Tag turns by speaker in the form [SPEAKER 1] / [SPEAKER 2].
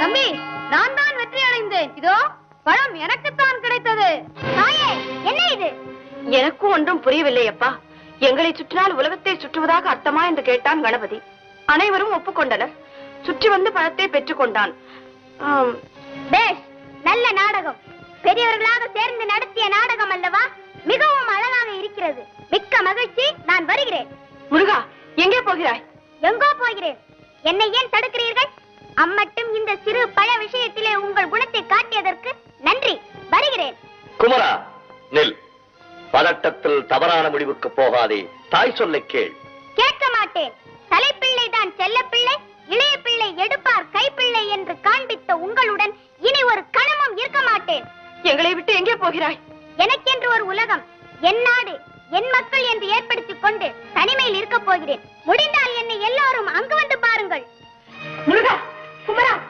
[SPEAKER 1] தம்பி, நான் தான் வெற்றி அடைந்தேன். இதோ பழம் எனக்குத்தான் கிடைத்தது. தாயே, என்ன இது?
[SPEAKER 2] எனக்கும் ஒன்றும் புரியவில்லை அப்பா. எங்களை சுற்றினால் உலகத்தை சுற்றுவதாக அர்த்தமா என்று கேட்டான் கணபதி. அனைவரும் ஒப்புக்கொண்டனர். சுற்றி வந்து பழத்தை பெற்றுக் கொண்டான்.
[SPEAKER 1] பேஷ், நல்ல நாடகம். பெரியவர்களாக சேர்ந்து நடத்திய நாடகம் அல்லவா? மிகவும் அழகாக இருக்கிறது. மிக்க மகிழ்ச்சி. நான் வருகிறேன்.
[SPEAKER 2] முருகா, எங்கே போகிறாய்?
[SPEAKER 1] எங்கோ போகிறேன். என்னை ஏன் தடுக்கிறீர்கள்? அம்மட்டும் இந்த சிறு பழ விஷயத்திலே உங்கள் குணத்தை காட்டியதற்கு நன்றி. வருகிறேன்.
[SPEAKER 3] குமரா, நெல். பதட்டத்தில் தவறான முடிவுக்கு போகாதே. தாய் சொல்லை கேள்.
[SPEAKER 1] கேட்க மாட்டேன். தலைப்பிள்ளை தான் செல்ல பிள்ளை, இளைய பிள்ளை எடுப்பார் கைப்பிள்ளை என்று காண்பித்த உங்களுடன் இனி ஒரு கணமும் இருக்க மாட்டேன்.
[SPEAKER 2] எங்களை விட்டு எங்கே போகிறாய்?
[SPEAKER 1] எனக்கென்று ஒரு உலகம், என் நாடு, என் மக்கள் என்று ஏற்படுத்திக் கொண்டு தனிமையில் இருக்க போகிறேன். முடிந்தால் என்னை எல்லாரும் அங்கு வந்து பாருங்கள்.
[SPEAKER 2] முருகா, குமரா,